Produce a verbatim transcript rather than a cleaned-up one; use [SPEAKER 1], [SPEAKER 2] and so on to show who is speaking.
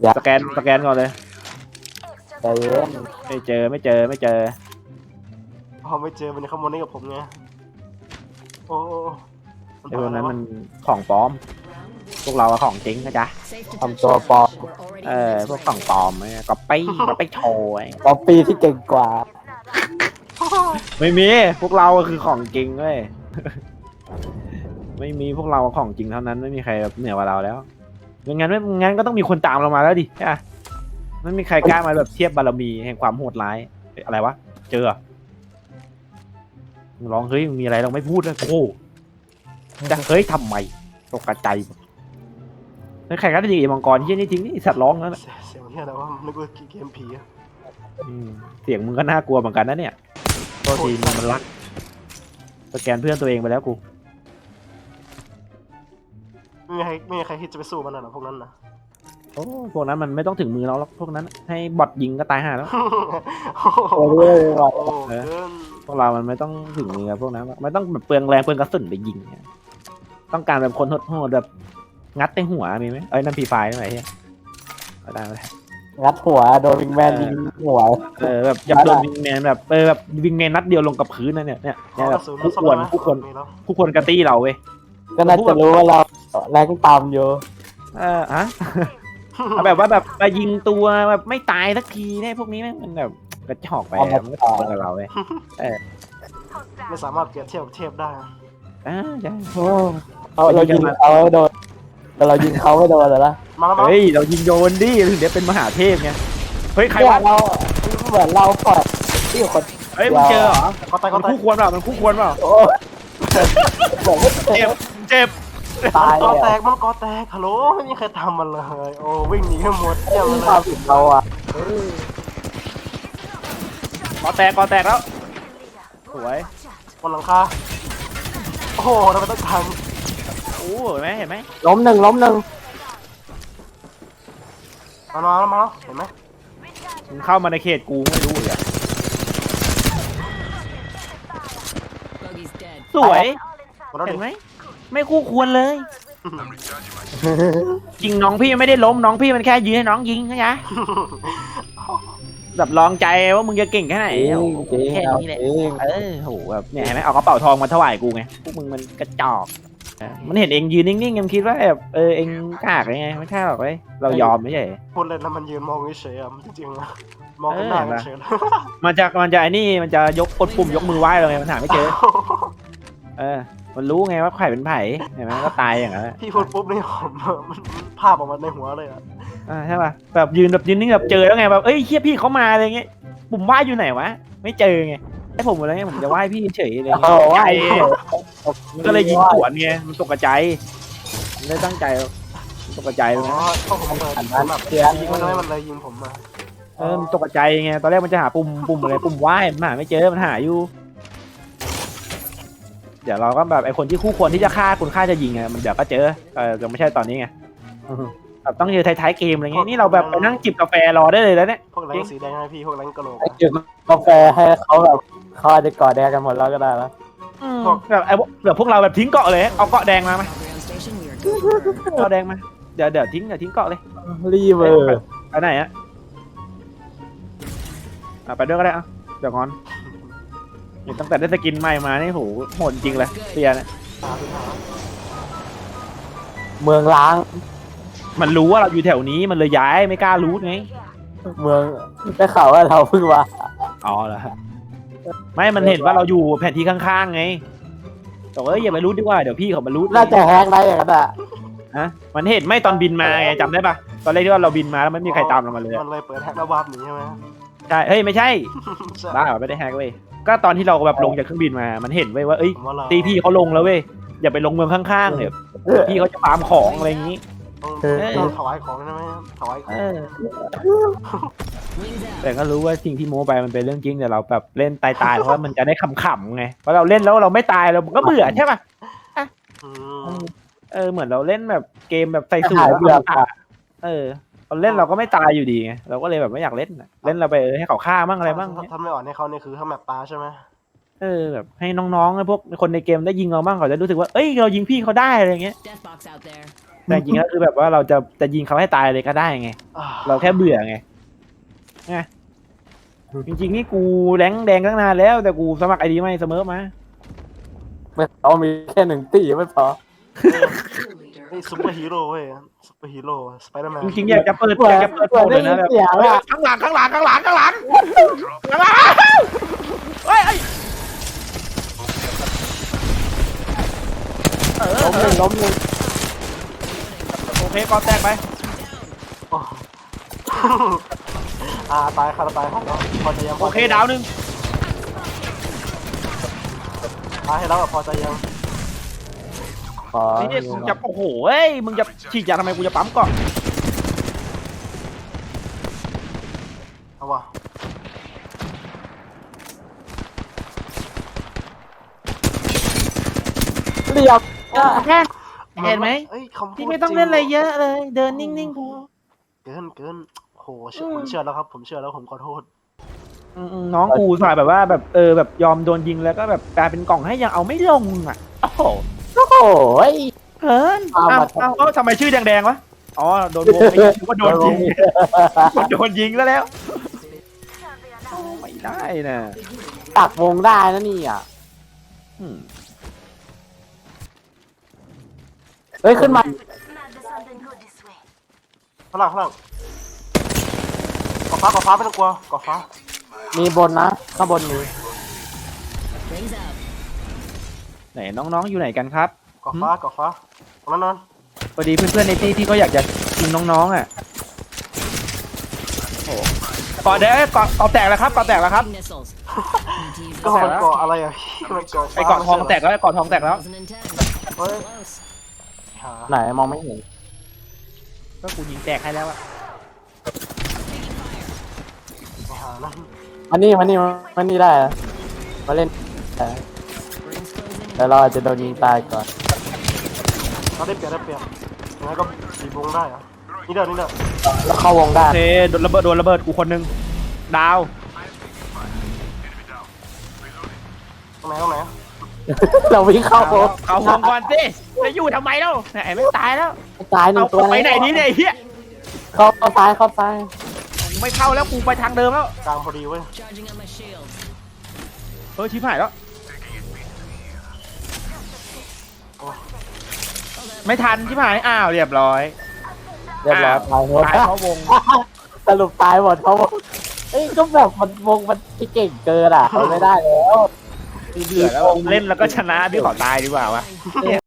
[SPEAKER 1] สแกนสแกนก่อนเลย
[SPEAKER 2] ใจเย็น
[SPEAKER 1] ไม่เจอไม่เจอไม่เจอ
[SPEAKER 3] พอไม่เจอมันขโมยนี่กับผมไงโอ้
[SPEAKER 1] ไอ้พวกนั้นมันของปลอม พวกเราอะของจริงนะจ๊ะ
[SPEAKER 2] ทำตัวปลอม
[SPEAKER 1] เออพวกของปลอมเนี่ยก็ไปก็ไปโชว์ไอ้
[SPEAKER 2] ปอปปี้ที่เก่งกว่า
[SPEAKER 1] ไม่มีพวกเราคือของจริงเว้ย ไม่มีพวกเราของจริงเท่านั้นไม่มีใครแบบเหนือกว่าเราแล้วไม่งั้นไม่งั้นก็ต้องมีคนตามเรามาแล้วดิใช่ไหมไม่มีใครกล้ามาแบบเทียบบารมีแห่งความโหดร้ายอะไรวะเจอมึงร้องเฮ้ยมึงมีอะไรเราไม่พูดเลยโอ้จะเฮ้ยทำไมตกใจแล้วใครก็ได้ยิงไอ้มังกรที่นี่ทิ้งนี่สัตว์ร้องแล้วนะ
[SPEAKER 3] เสียงเนี่ยแต่ว่านึกว่าเกมผี
[SPEAKER 1] เสียงมึงก็น่ากลัวเหมือนกันนะเนี่ยโทษทีมันรักสแกนเพื่อนตัวเองไปแล้วกู
[SPEAKER 3] ไม่มีใครไม่มีใครคิดจะไปสู้มันนะพวกนั้นนะ
[SPEAKER 1] โอ้พวกนั้นมันไม่ต้องถึงมือเราหรอกพวกนั้นให้บอทยิงก็ตายห่าแล้ว
[SPEAKER 2] โอ้ยว่ะ
[SPEAKER 3] โอ้เกิน
[SPEAKER 1] พวกเรามันไม่ต้องถึงมือพวกนั้นไม่ต้องแบบเปลืองแรงเปลืองกระสุนไปยิงเนี่ยต้องการแบบคนโหดๆแบบงัดในหัวมีไหมเอ้ยนั่นพีไฟได้ไหมเฮียไม่ได้ไม่ได้
[SPEAKER 2] งัดหัวโดนวิงแมนยิงหัว
[SPEAKER 1] เออแบบยับโดนวิงแมนแบบเออแบบวิงแมนนัดเดียวลงกับพื้นนะเนี่ยเนี่ยเนี่ยแบบผู้ควรผู้ควรผู้ควรกระตี้เราเว้ย
[SPEAKER 2] ก็น่าจะรู้ว่าเราแรงตามอยู่
[SPEAKER 1] เออฮะ เอาแบบว่าแบบมายิงตัวแบบไม่ตายสักทีเนี่ยพวกนี้แม่งมันแบบกระจอกไปอะมันไม่ตรงกับเราเว้ย
[SPEAKER 3] ไม่สามารถเปรียบเทียบกับเทพได้
[SPEAKER 1] อ่าใช่
[SPEAKER 2] โอ้เอาเรายิงเขาไม่โดนแต่เรายิงเขาไม่โดนเหรอล่ะ
[SPEAKER 3] มาแล้วมา
[SPEAKER 1] เฮ้ยเรายิงโยนดิถึงเดี๋ยวเป็นมหาเทพไงเฮ้ยใคร
[SPEAKER 2] เนี่
[SPEAKER 1] วะ
[SPEAKER 2] ยเราเหมือนเราปล่อยที่คน
[SPEAKER 1] เฮ้ยมึงเจอเหรอ
[SPEAKER 3] ก็ตายก็
[SPEAKER 1] มัน
[SPEAKER 3] ตาย
[SPEAKER 1] คู่ควรเปล่ามันคู่ควรเปล่า
[SPEAKER 2] โอ้เหมือนไม่เจ็
[SPEAKER 1] เจ็
[SPEAKER 2] บบ
[SPEAKER 1] เจ็บ
[SPEAKER 2] ตาย
[SPEAKER 3] ก็
[SPEAKER 2] เลย
[SPEAKER 3] แต
[SPEAKER 2] อะ
[SPEAKER 3] กมันก็แตกฮัลโหลไม่มีใครทำมันเลยโอ้วิ่งหนีกันหมดเยี่ยม
[SPEAKER 2] ที่
[SPEAKER 3] เล
[SPEAKER 2] ความ
[SPEAKER 3] ย
[SPEAKER 2] ผิดเราอ่ะ
[SPEAKER 1] กอแตกกอแตกแล้วสวย
[SPEAKER 3] บนหลังคาโอ้โหทำไมต้องท
[SPEAKER 1] โอ้เห็นไหมเห็นไหม
[SPEAKER 2] ล้มหนึ่งล้มหนึ่ง
[SPEAKER 3] ำมาแล้วมาแล้วเห็นไหม
[SPEAKER 1] มึงเข้ามาในเขตกูไม่รู้เลยอะสวย
[SPEAKER 3] มาแล้ว
[SPEAKER 1] เห็
[SPEAKER 3] ดิ
[SPEAKER 1] นไหมไม่คู่ควรเลย จริงน้องพี่ไม่ได้ล้มน้องพี่มันแค่ยืนให้น้องยิงนะจ๊ะแบบลองใจว่ามึงจะเก่งแค่ไหน
[SPEAKER 2] จริง
[SPEAKER 1] โอ้โห
[SPEAKER 2] จริง
[SPEAKER 1] แค่
[SPEAKER 2] เอา
[SPEAKER 1] นี้แหละ
[SPEAKER 2] จริง
[SPEAKER 1] เออโหแบบเนี่ยเห็นไหมเอากระเป๋าทองมาถวายกูไงพวกมึงมันกระจอกเออมันเห็นเองยืนนิ่งๆยังคิดว่าแบบเออเองกากไงไม่ใช่หรอกเว้ยเรายอมไม่ใช่
[SPEAKER 3] พูดเล่นแล้วมันยืนมองเฉยๆอ่ะจริงๆอะมองกันหน้ากันเฉย
[SPEAKER 1] มันจะมันจะไอ้นี่มันจะยกกดปุ่มยกมือไหว้เราไงมันหาไม่เจอ เออ มันรู้ไงว่าใครเป็นไผ่เห็นไหมก็ตายอย่างนั้นแหละ
[SPEAKER 3] พี่พูดปุ๊บนี่ผมมันภาพออกมาในหัวเลยอ่ะ
[SPEAKER 1] อ่าใช่ป่ะแบบยืนแบบยืนนิ่งแบบเจอแล้วไงแบบเอ้ยเฮียพี่เขามาอะไรเงี้ยปุ่มไหว้อยู่ไหนวะไม่เจอไงไอ้ผมอะไรเงี้ยผมจะไหว้พี่เฉยอะไร
[SPEAKER 2] โอ้
[SPEAKER 1] เงี้ย
[SPEAKER 2] ว่า
[SPEAKER 1] มันก็เลยยิงสวนไงมันตกใจมันไม่ตั้งใจมันตกใจ
[SPEAKER 3] อ๋
[SPEAKER 1] เลย
[SPEAKER 3] อ
[SPEAKER 1] นะ
[SPEAKER 3] พวกผมเลย
[SPEAKER 2] อัน
[SPEAKER 3] ผ
[SPEAKER 2] นั้
[SPEAKER 3] ม
[SPEAKER 2] น
[SPEAKER 3] แบบ
[SPEAKER 2] เสีย
[SPEAKER 3] ยิงมันเลยมันเลยยิงผมมา
[SPEAKER 1] เออมันตกใจไงตอนแรกมันจะหาปุ่มปุ่มอะไรปุ่มไหว้มันหาไม่เจอมันหาอยู่ เดี๋ยวเราก็แบบไอ้คนที่คู่ควรที่จะฆ่าคุณฆ่าจะยิงไงมันเดี๋ยวก็เจอเออยังไม่ใช่ตอนนี้ไงแบบต้องเจอท้ายๆเกมอะไรเงี้ยนี่เราแบบไปนั่งจิบกาแฟรอได้เลยแล้วเนี่ย
[SPEAKER 3] พวกแรงสีแดงให้พี่พวกแรงกระโหลก
[SPEAKER 2] ให้กินกาแฟให้เขาแบบเขาอาจจะกอดแดงกันหมดแล้วก็ได้แล้ว
[SPEAKER 1] แบบไอ้แบบพวกเราแบบทิ้งเกาะเลยเอาเกาะแดงมาไหมเกาะแดงมาเดี๋ยวเดี๋ยวทิ้งเดี๋ยวทิ้งเกาะเลย
[SPEAKER 2] รีเวอร์
[SPEAKER 1] ไปไหนอะอ่ะไปด้วยก็ได้อ่ะเดี๋ยวงอนเห็นตั้งแต่ได้สกินใหม่มานี่โหโหดจริงเลยเปียเนี่ย
[SPEAKER 2] เมืองล้าง
[SPEAKER 1] มันรู้ว่าเราอยู่แถวนี้มันเลยย้ายไม่กล้ารู้ไง
[SPEAKER 2] เมืองได้ข่าวว่าเราเพิ่งมา
[SPEAKER 1] อ๋อเหรอไม่มันเห็นว่าเราอยู่แผนที่ข้างๆไงบอกเอ้ยอย่าไปรู้ดีกว่าเดี๋ยวพี่เขามารู้
[SPEAKER 2] น่าจะแฮกได้อย่างนั้นอ่ะ
[SPEAKER 1] ฮะมันเห็นไม่ตอนบินมาไงจำได้ปะตอนแรกที่ว่าเราบินมาแล้วไม่มีใครตามเรามาเลย
[SPEAKER 3] มันเลยเปิดแฮกระบาดหนีใช่ไหม
[SPEAKER 1] ใช่เฮ้ยไม่ใช่
[SPEAKER 3] ใช่
[SPEAKER 1] บ้าเหรอไม่ได้แฮกเว้ยก็ตอนที่เราแบบลงจากเครื่องบินมามันเห็นเว้ยว่าเอ้ย
[SPEAKER 3] ผมว่าเรา
[SPEAKER 1] ตีพี่เขาลงแล้วเว้ยอย่าไปลงเมืองข้างๆเนี่ยพี่เขาจะฟาร์มของอะไรอย่างนี้
[SPEAKER 3] ต้องต้องถวายของใช่ไหมถวายของ
[SPEAKER 1] เออแต่ก็รู้ว่าสิ่งที่โม้ไปมันเป็นเรื่องจริงแต่เราแบบเล่นตายๆเพราะว่ามันจะได้ขำๆไงเพราะเราเล่นแล้วเราไม่ตายเราก็เบื่อใช่ป่ะ
[SPEAKER 3] อืม
[SPEAKER 1] เออเหมือนเราเล่นแบบเกมแบบใส่สูต
[SPEAKER 2] หาย
[SPEAKER 1] ร
[SPEAKER 2] เบื่อค่ะ
[SPEAKER 1] เออเราเล่นเราก็ไม่ตายอยู่ดีไงเราก็เลยแบบไม่อยากเล่นน่ะเล่นเราไปเออให้เขาฆ่ามั่งอะไรบ้าง
[SPEAKER 3] ถ้าไม่อ่อนให้เขาเนี่ยคือถ้าแมปตาใช่ไหม
[SPEAKER 1] เออแบบให้น้องๆพวกคนในเกมได้ยิงเราบ้างเขาจะรู้สึกว่าเอ้ยเรายิงพี่เขาได้อะไรเงี้ยแต่จริงๆแล้วคือแบบว่าเราจะจะยิงเขาให้ตายเลยก็ได้ไง
[SPEAKER 3] อ่า
[SPEAKER 1] เราแค่เบื่อไงไงจริงๆนี่กูแรงแดงตั้งนานแล้วแต่กูสมัครไอดีไม่เสมอมา
[SPEAKER 2] ไม่เอามีแค่หนึ่งตีไม่พอ
[SPEAKER 3] นี่ซุปเปอร์ฮีโร่เว้ยซุปเปอร์ฮีโร่สไปเดอร์แมน
[SPEAKER 1] จริงๆอยากจะเปิด
[SPEAKER 2] เหมือน
[SPEAKER 1] อยากจะเปิด
[SPEAKER 2] เหมื
[SPEAKER 1] โป
[SPEAKER 2] อน
[SPEAKER 1] รเลยนะแบบ
[SPEAKER 2] ได้ยินเสียงอะ
[SPEAKER 1] ข้างหลังข้างหลังข้างหลังข้างหลังข้างหลังเฮ้ยเฮ้ยเออ
[SPEAKER 2] ล้มหนึ่งล้มหนึ่ง
[SPEAKER 1] โอเคก่อนแตกไป
[SPEAKER 3] โอ้ อ่าตายค่ะตายค่ะแล้วพอใจยัง
[SPEAKER 1] โอเคดาวหนึ่ง
[SPEAKER 3] ตายให้แล้วอะพอใจยัง
[SPEAKER 2] ขอ
[SPEAKER 1] นี่มึงจะโอ้โหเฮ้ยมึงจะฉีดยาทำไมกูจะปั๊มก่อน
[SPEAKER 3] เอาวะ
[SPEAKER 2] เรียบ
[SPEAKER 1] แค่เห็นไหม
[SPEAKER 3] เอ้ยคำพูด
[SPEAKER 1] พี่ไม่ต้องเล่นอะไรเยอะเลย เดินนิ่งๆพอ
[SPEAKER 3] เกินเกินโหเชื่อผมเชื่อแล้วครับผมเชื่อแล้วผมขอโทษ
[SPEAKER 1] อืมๆน้องกูสายแบบว่าแบบเออแบบยอมโดนยิงแล้วก็แบบกลายเป็นกล่องให้ยังเอาไม่ลงอ่ะโอ้โห
[SPEAKER 2] โอ้โห
[SPEAKER 1] เฮิน
[SPEAKER 2] เอา
[SPEAKER 1] เอา
[SPEAKER 2] มา
[SPEAKER 1] เอาเอาทำไมชื่อแดงๆวะอ๋อโดนวงไอ้ยิงก็โดนยิงโดนยิงแล้วแล้วโอ้ไม่ได้นะ
[SPEAKER 2] ตักวงได้นะนี่อ่ะ
[SPEAKER 1] อืม
[SPEAKER 2] เฮ้ยขึ้นมา
[SPEAKER 3] ข้างหลังข้างหลังกอฟ้ากอฟ้าไม่ต้องกลัวกอฟ้า
[SPEAKER 2] มีบนนะข้างบนมี
[SPEAKER 1] ไหนน้องๆอยู่ไหนกันครับ
[SPEAKER 3] กอฟ้ากอฟ้าตรงนั้นนั่น
[SPEAKER 1] พอดีเพื่อนๆในที่ที่เขาอยากจะกินน้องๆอ่ะโอ้เกาะแดงเกาะเกาะแตกแล้วครับเกาะแตกแล้วครับ
[SPEAKER 3] ก็มันเกาะอะไรอ่ะมันเกาะ
[SPEAKER 1] ไอเกาะทองแตกแล้วไอเกาะทองแตกแล้ว
[SPEAKER 3] เฮ้ยหา
[SPEAKER 2] ไหนมองไม่เห็น
[SPEAKER 1] ก็กูยิงแตกให้แล้วอะ
[SPEAKER 3] หานั่น
[SPEAKER 2] มันนี่มันนี่มันนี่ได้นะมาเล่นแต่แต่เราอาจจะโดนยิงตายก่อน
[SPEAKER 3] เราได้เปรียบได้เปรียบยังไงก็ตีวงได้อะนี่เด้อนี่เด้อ
[SPEAKER 2] แล้วเข้าวงได้
[SPEAKER 1] โอเคโดนระเบิดโดนระเบิดกูคนหนึงดาว
[SPEAKER 3] ตรงไหนตรงไหน
[SPEAKER 2] เราวิ่งเข้าวง
[SPEAKER 1] เอาวงก่อนสิจะอยู่ทำไมเล่าไหนไม่ตายแล้ว
[SPEAKER 2] ตายหนึ่
[SPEAKER 1] เอา
[SPEAKER 2] งตัว
[SPEAKER 1] ไปไหนนี่เนี่ยไอ้เฮีย
[SPEAKER 2] เข้าเข้าซ้ายเข้าซ้าย
[SPEAKER 1] ไม่เข้าแล้วกูไปทางเดิมแล้ว
[SPEAKER 3] กลางพอดีเว้ย
[SPEAKER 1] เออชิบหายแล้วไม่ทันชิบหายอ้าวเรียบร้อย
[SPEAKER 2] เรียบร้อยตายหมด
[SPEAKER 1] ตายเพราะวง
[SPEAKER 2] สรุปตายหมดเพราะวงเอ้ยก็แบบมันวงมันที่เก่งเกินอ่ะเอาไม่ได้แล้ว
[SPEAKER 1] เบื่อแล้วเล่นแล้วก็ชนะพี่ขอตายดีกว่าวะ